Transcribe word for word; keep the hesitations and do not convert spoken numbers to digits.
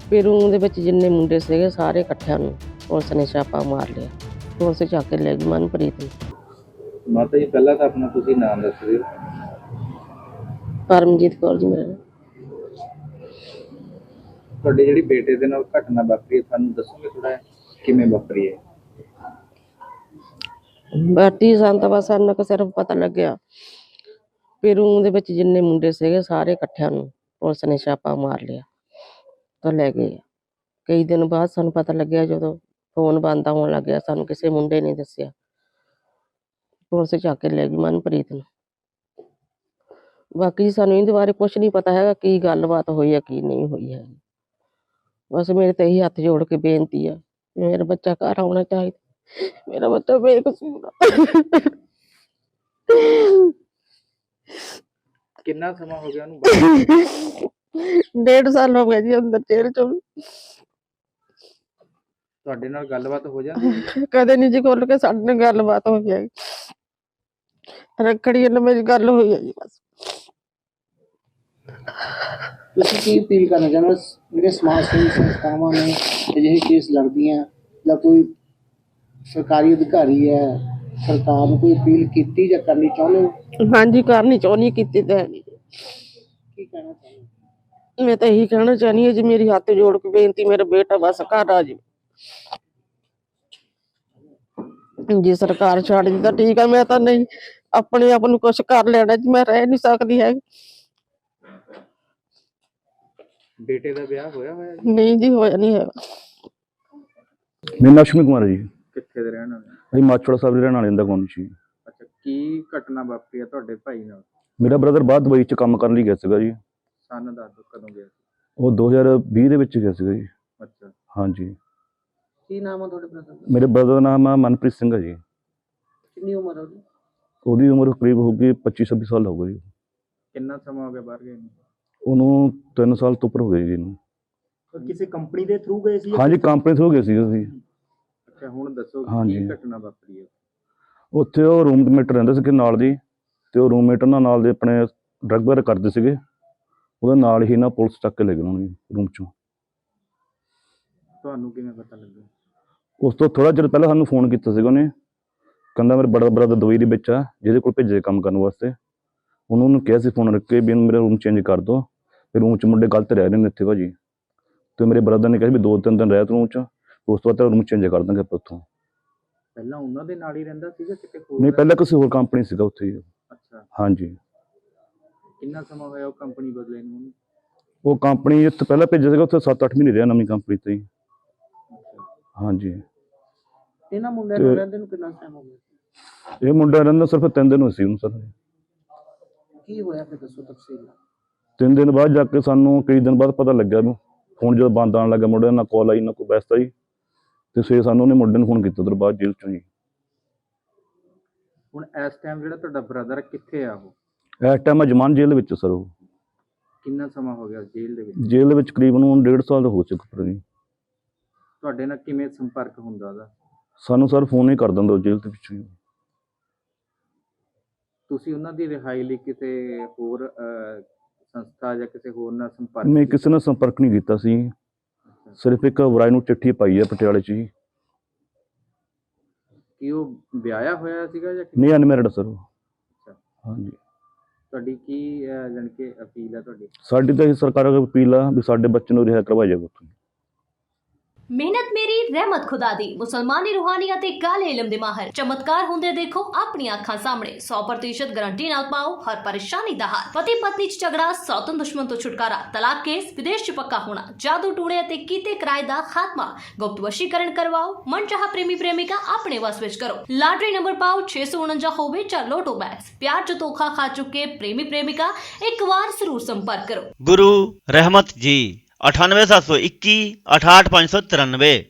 Peru ਦੇ ਵਿੱਚ ਜਿੰਨੇ ਮੁੰਡੇ ਸੀਗੇ ਸਾਰੇ ਇਕੱਠਿਆਂ ਨੂੰ ਪੁਲਿਸ ਨੇ ਛਾਪਾ ਮਾਰ ਲਿਆ। ਪੁਲਿਸ ਚੱਕ ਕੇ ਲੈ ਗਈ ਮਨਪ੍ਰੀਤ ਨੂੰ। ਮਾਤਾ ਜੀ ਪਹਿਲਾਂ ਤਾਂ ਆਪਣਾ ਤੁਸੀਂ ਨਾਮ ਦੱਸ ਦਿਓ। ਪਰਮਜੀਤ ਕੌਰ ਜੀ ਮੇਰਾ ਨਾਮ। ਤੁਹਾਡੇ ਜਿਹੜੀ ਬੇਟੇ ਦੇ ਨਾਲ ਘਟਨਾ ਵਾਪਰੀ ਹੈ ਤੁਹਾਨੂੰ ਦੱਸੋਗੇ ਥੋੜਾ ਕਿਵੇਂ ਵਾਪਰੀ ਹੈ? ਬਾਟੀ ਸਾਨੂੰ ਤਾਂ ਬਸ ਸਾਨੂੰ ਕਿ ਸਿਰਫ ਪਤਾ ਲੱਗਿਆ ਪੇਰੂ ਦੇ ਵਿੱਚ ਜਿੰਨੇ ਮੁੰਡੇ ਸੀਗੇ ਸਾਰੇ ਇਕੱਠਿਆਂ ਨੂੰ ਪੁਲਿਸ ਨੇ ਛਾਪਾ ਮਾਰ ਲਿਆ ਤਾਂ ਲੈ ਗਏ। ਕਈ ਦਿਨ ਬਾਅਦ ਸਾਨੂੰ ਪਤਾ ਲੱਗਿਆ ਜਦੋਂ ਫੋਨ ਬੰਦ ਹੋਣ ਲੱਗ ਗਿਆ, ਸਾਨੂੰ ਕਿਸੇ ਮੁੰਡੇ ਨੇ ਦੱਸਿਆ। ਪੁਲਿਸ ਚੱਕ ਕੇ ਲੈ ਗਈ ਮਨਪ੍ਰੀਤ ਨੂੰ। ਬਾਕੀ ਸਾਨੂੰ ਇਹਦੇ ਬਾਰੇ ਕੁਛ ਨਹੀਂ ਪਤਾ ਹੈਗਾ ਕੀ ਗੱਲਬਾਤ ਹੋਈ ਹੈ ਕੀ ਨਹੀਂ ਹੋਈ ਹੈ। ਬਸ ਮੇਰੇ ਤੇ ਇਹੀ ਹੱਥ ਜੋੜ ਕੇ ਬੇਨਤੀ ਆ, ਮੇਰਾ ਬੱਚਾ ਘਰ ਆਉਣਾ ਚਾਹੀਦਾ, ਮੇਰਾ ਬੱਚਾ ਬੇਕਸੂਰ ਆ। ਕਿੰਨਾ ਸਮਾਂ ਹੋ ਗਿਆ ਉਹਨੂੰ ਬਾਹਰ? ਡੇਢ ਸਾਲ ਹੋ ਗਿਆ ਜੀ ਅੰਦਰ ਜੇਲ੍ਹ ਚ। ਤੁਹਾਡੇ ਨਾਲ ਗੱਲਬਾਤ ਹੋ ਜਾਂਦੀ ਹੈ? ਕਦੇ ਨਹੀਂ ਜੀ ਖੁੱਲ ਕੇ ਸਾਡੇ ਨਾਲ ਗੱਲਬਾਤ ਹੋਈ ਹੈ। ਰੱਖੜੀ ਨਾਲ ਮੇਰੀ ਗੱਲ ਹੋਈ ਹੈ ਜੀ ਬਸ। ਤੁਸੀਂ ਕੀ ਅਪੀਲ ਕਰਨਾ ਚਾਹੁੰਦੇ ਹੋ ਜਿਹੜੇ ਸਮਾਜ ਸੇਵੀ ਸੰਸਥਾਵਾਂ ਨੇ ਅਜਿਹੇ ਕੇਸ ਲੜਦੀਆਂ ਜਾਂ ਕੋਈ ਸਰਕਾਰੀ ਅਧਿਕਾਰੀ ਹੈ, ਸਰਕਾਰ ਨੂੰ ਕੋਈ ਅਪੀਲ ਕੀਤੀ ਜਾਂ ਕਰਨੀ ਚਾਹੁੰਦੇ ਹੋ? ਹਾਂਜੀ ਕਰਨੀ ਚਾਹੁੰਦੀ, ਕੀਤੀ ਤਾਂ ਹੈ ਨਹੀਂ। ਕੀ ਕਹਿਣਾ ਚਾਹੁੰਦੇ ਹੋ? ਮੈਂ ਤਾਂ ਇਹੀ ਕਹਿਣਾ ਚਾਹੁੰਦੀ ਹਾਂ ਜੀ, ਮੇਰੀ ਹੱਥ ਜੋੜ ਕੇ ਬੇਨਤੀ, ਮੇਰਾ ਬੇਟਾ ਬਸ ਘਰ ਆ ਜਾਵੇ। ਜੇ ਸਰਕਾਰ ਛੱਡ ਦੀ ਤਾਂ ਠੀਕ ਆ, ਮੈਂ ਤਾਂ ਨਹੀਂ ਆਪਣੇ ਆਪ ਨੂੰ ਕੁਛ ਕਰ ਲੈਣਾ ਜੀ, ਮੈਂ ਰਹਿ ਨਹੀਂ ਸਕਦੀ ਹੈ। ਬੇਟੇ ਦਾ ਵਿਆਹ ਹੋਇਆ ਹੋਇਆ ਜੀ? ਨਹੀਂ ਜੀ ਹੋਇਆ ਨਹੀਂ ਹੈਗਾ। ਮੇਰਾ ਨਾਮ ਅਸ਼ਵਨੀ ਕੁਮਾਰ ਹੈ ਜੀ। ਕਿੱਥੇ ਦੇ ਰਹਿਣ ਵਾਲੇ? ਅਸੀਂ ਮਾਛੋੜਾ ਸਾਹਿਬ ਦੇ ਰਹਿਣ ਵਾਲੇ ਦਾ ਕੌਣ ਸੀ। ਅੱਛਾ, ਕੀ ਘਟਨਾ ਵਾਪਰੀ ਹੈ ਤੁਹਾਡੇ ਭਾਈ ਨਾਲ? ਮੇਰਾ ਬ੍ਰਦਰ ਬਾਹਰ ਦੁਬਈ 'ਚ ਕੰਮ ਕਰਨ ਲਈ ਗਿਆ ਸੀਗਾ ਜੀ। ਸਨ ਦੱਸ ਦਿਓ ਕਦੋਂ ਗਿਆ ਸੀ? ਉਹ ਦੋ ਹਜ਼ਾਰ ਵੀਹ ਦੇ ਵਿੱਚ ਗਿਆ ਸੀਗਾ ਜੀ। ਅੱਛਾ, ਹਾਂਜੀ। ਕੀ ਨਾਮ ਆ ਤੁਹਾਡੇ ਬ੍ਰਦਰ ਦਾ? ਮੇਰੇ ਬ੍ਰਦਰ ਦਾ ਨਾਮ ਆ ਮਨਪ੍ਰੀਤ ਸਿੰਘ ਹੈ ਜੀ। ਕਿੰਨੀ ਉਮਰ ਹੈ ਉਹਦੀ? ਉਹਦੀ ਉਮਰ ਕਰੀਬ ਹੋਊਗੀ ਪੱਚੀ ਛੱਬੀ ਸਾਲ ਹੋਊਗਾ ਜੀ। ਕਿੰਨਾ ਸਮਾਂ ਹੋ ਗਿਆ ਬਾਹਰ ਗਏ ਨੂੰ? ਉਹਨੂੰ ਤਿੰਨ ਸਾਲ ਤੋਂ ਉੱਪਰ ਹੋ ਗਏ ਜੀ ਇਹਨੂੰ। ਕਿਸੇ ਕੰਪਨੀ ਦੇ ਥਰੂ ਗਏ ਸੀ? ਹਾਂਜੀ ਕੰਪਨੀ ਤੋਂ ਗਏ ਸੀ ਅਸੀਂ। ਅੱਛਾ, ਹੁਣ ਦੱਸੋ ਹਾਂਜੀ। ਕੀ ਘਟਨਾ ਵਾਪਰੀ ਹੈ? ਉੱਥੇ ਉਹ ਰੂਮਮੇਟ ਰਹਿੰਦੇ ਸੀਗੇ ਨਾਲ ਦੀ, ਤੇ ਉਹ ਰੂਮਮੇਟ ਉਹਨਾਂ ਨਾਲ ਦੇ ਆਪਣੇ ਡਰੱਗ ਵਗੈਰਾ ਕਰਦੇ ਸੀਗੇ। ਉਹਦੇ ਨਾਲ ਹੀ ਨਾ ਪੁਲਿਸ ਚੱਕ ਕੇ ਲੈ ਗਏ ਉਹਨਾਂ ਨੂੰ ਰੂਮ 'ਚੋਂ। ਤੁਹਾਨੂੰ ਕਿਵੇਂ ਪਤਾ ਲੱਗਾ? ਉਸ ਤੋਂ ਥੋੜਾ ਚਿਰ ਪਹਿਲਾਂ ਸਾਨੂੰ ਫੋਨ ਕੀਤਾ ਸੀਗਾ ਉਹਨੇ, ਕਹਿੰਦਾ ਮੇਰਾ ਬੜਾ ਬ੍ਰਦਰ ਦੁਬਈ ਦੇ ਵਿੱਚ ਆ, ਜਿਹਦੇ ਕੋਲ ਭੇਜੇ ਕੰਮ ਕਰਨ ਵਾਸਤੇ। ਉਹਨੂੰ ਉਹਨੂੰ ਕਿਹਾ ਸੀ ਫੋਨ ਰੱਖ ਕੇ ਵੀ ਮੇਰਾ ਰੂਮ ਚੇਂਜ ਕਰ ਦਿਓ, ਫਿਰ ਰੂਮ 'ਚ ਮੁੰਡੇ ਗਲਤ ਰਹਿ ਰਹੇ ਨੇ ਇੱਥੇ ਭਾਜੀ। ਤੇ ਮੇਰੇ ਬ੍ਰਦਰ ਨੇ ਕਿਹਾ ਵੀ ਦੋ ਤਿੰਨ ਦਿਨ ਰਹਿ ਰੂਮ 'ਚ, ਉਸ ਤੋਂ ਬਾਅਦ ਰੂਮ ਚੇਂਜ ਕਰ ਦਾਂਗੇ ਆਪਾਂ ਉੱਥੋਂ। ਪਹਿਲਾਂ ਉਹਨਾਂ ਦੇ ਨਾਲ ਹੀ ਰਹਿੰਦਾ ਸੀਗਾ ਕਿਤੇ ਹੋਰ? ਨਹੀਂ, ਪਹਿਲਾਂ ਕਿਸੇ ਹੋਰ ਕੰਪਨੀ ਸੀਗਾ ਉੱਥੇ ਹੀ। ਅੱਛਾ, ਹਾਂਜੀ। ਕਿੰਨਾ ਸਮਾਂ ਹੋਇਆ ਉਹ ਕੰਪਨੀ ਬਦਲੇ ਨੂੰ? ਉਹ ਕੰਪਨੀ ਇੱਥੇ ਪਹਿਲਾਂ ਭੇਜਿਆ ਸੀਗਾ, ਉੱਥੇ ਸੱਤ ਅੱਠ ਮਹੀਨੇ ਰਿਹਾ ਨਵੀਂ ਕੰਪਨੀ ਤੇ ਹੀ। ਹਾਂਜੀ। ਇਹਨਾਂ ਮੁੰਡਿਆਂ ਨਾਲ ਰਹਿੰਦੇ ਨੂੰ ਕਿੰਨਾ ਟਾਈਮ ਹੋ ਗਿਆ? ਇਹ ਮੁੰਡਾ ਰਹਿੰਦਾ ਸਿਰਫ ਤਿੰਨ ਦਿਨ ਹੋਏ ਸੀ ਉਹਨੂੰ ਸਰ। ਕੀ ਹੋਇਆ ਫਿਰ ਦੱਸੋ ਤਫਸੀਲ ਨਾਲ। ਤਿੰਨ ਦਿਨ ਬਾਅਦ ਜਾ ਕੇ ਸਾਨੂੰ ਕਈ ਦਿਨ ਬਾਅਦ ਪਤਾ ਲੱਗਿਆ ਨੂੰ, ਫੋਨ ਜਦੋਂ ਬੰਦ ਆਉਣ ਲੱਗਾ ਮੁੰਡੇ ਨਾਲ ਕਾਲ ਆਈ ਨਾ ਕੋਈ ਬੈਸਤਾ ਜੀ, ਤੇ ਸਵੇਰੇ ਸਾਨੂੰ ਉਹਨੇ ਮੁੰਡੇ ਨੂੰ ਫੋਨ ਕੀਤਾ ਉਧਰ ਬਾਅਦ ਜੇਲ੍ਹ ਚੋਂ ਜੀ। ਹੁਣ ਇਸ ਟਾਈਮ ਜਿਹੜਾ ਤੁਹਾਡਾ ਬ੍ਰਦਰ ਕਿੱਥੇ ਆ ਉਹ? ਇਸ ਟਾਈਮ ਜਮਾਨ ਜੇਲ੍ਹ ਵਿੱਚ ਸਰ। ਉਹ ਕਿੰਨਾ ਸਮਾਂ ਹੋ ਗਿਆ ਜੇਲ੍ਹ ਦੇ ਵਿੱਚ? ਜੇਲ੍ਹ ਦੇ ਵਿੱਚ ਕਰੀਬਨ ਹੁਣ ਡੇਢ ਸਾਲ ਹੋ ਚੁੱਕਾ ਜੀ। ਤੁਹਾਡੇ ਨਾਲ ਕਿਵੇਂ ਸੰਪਰਕ ਹੁੰਦਾ ਉਹਦਾ? ਸਾਨੂੰ ਸਰ ਫੋਨ ਹੀ ਕਰ ਦਿੰਦਾ ਉਹ ਜੇਲ੍ਹ ਦੇ ਵਿੱਚੋਂ ਹੀ। ਤੁਸੀਂ ਉਹਨਾਂ ਦੀ ਰਿਹਾਈ ਲਈ ਕਿਸੇ ਹੋਰ ਸੰਸਥਾ ਜਾਂ ਕਿਸੇ ਹੋਰ ਨਾਲ ਸੰਪਰਕ? ਨਹੀਂ, ਕਿਸੇ ਨਾਲ ਸੰਪਰਕ ਨਹੀਂ ਕੀਤਾ ਸੀ। ਸਿਰਫ ਇੱਕ ਵਰਾਈ ਨੂੰ ਚਿੱਠੀ ਪਾਈ ਹੈ ਪਟਿਆਲੇ 'ਚ ਜੀ। ਕੀ ਉਹ ਵਿਆਹਿਆ ਹੋਇਆ ਸੀਗਾ ਜਾਂ? ਨਹੀਂ, ਅਨਮੈਰਿਡ ਸਰ ਉਹ। ਹਾਂਜੀ। ਤੁਹਾਡੀ ਕੀ ਜਾਣੀ ਕਿ ਅਪੀਲ ਹੈ ਤੁਹਾਡੀ? ਸਾਡੀ ਤਾਂ ਇਹ ਸਰਕਾਰ ਅੱਗੇ ਅਪੀਲ ਆ ਵੀ ਸਾਡੇ ਬੱਚੇ ਨੂੰ ਰਿਹਾ ਕਰਵਾਇਆ ਜਾਵੇ ਉੱਥੋਂ। ਮਿਹਨਤ ਮੇਰੀ ਰਹਿਮਤ ਖੁਦਾ ਦੀ। ਮੁਸਲਮਾਨੀ ਰੂਹਾਨੀ ਅਤੇ ਕਾਲੇ ਇਲਮ ਦੇ ਮਾਹਰ ਚਮਤਕਾਰ ਹੁੰਦੇ ਦੇਖੋ ਆਪਣੀਆਂ ਅੱਖਾਂ ਸਾਹਮਣੇ। ਸੌ ਪ੍ਰਤੀਸ਼ਤ ਗਾਰੰਟੀ ਨਾਲ ਪਾਓ ਹਰ ਪਰੇਸ਼ਾਨੀ ਦਾ ਹੱਲ। ਪਤੀ ਪਤਨੀ ਚ ਝਗੜਾ, ਸੌਤਨ ਦੁਸ਼ਮਣ ਤੋਂ ਛੁਟਕਾਰਾ, ਤਲਾਕ ਕੇਸ, ਵਿਦੇਸ਼ ਚ ਪੱਕਾ ਹੋਣਾ, ਜਾਦੂ ਟੂਣੇ ਅਤੇ ਕੀਤੇ ਕਿਰਾਏ ਦਾ ਖਾਤਮਾ, ਗੁਪਤ ਵਸ਼ੀਕਰਨ ਕਰਵਾਓ, ਮਨਚਾਹਾ ਪ੍ਰੇਮੀ ਪ੍ਰੇਮਿਕਾ ਆਪਣੇ ਵਸ ਵਿੱਚ ਕਰੋ। ਲਾਟਰੀ ਨੰਬਰ ਪਾਓ ਛੇ ਸੌ ਉਣੰਜਾ ਹੋਵੇ ਜਾਂ ਲੋਟੋ ਬੈਗਸ। ਪਿਆਰ ਚ ਧੋਖਾ ਖਾ ਚੁੱਕੇ ਪ੍ਰੇਮੀ ਪ੍ਰੇਮਿਕਾ ਇੱਕ ਵਾਰ ਜ਼ਰੂਰ ਸੰਪਰਕ ਕਰੋ। गुरु रहमत जी अठानवे सात सौ इक्की अठाठ पाँच सौ तिरानवे।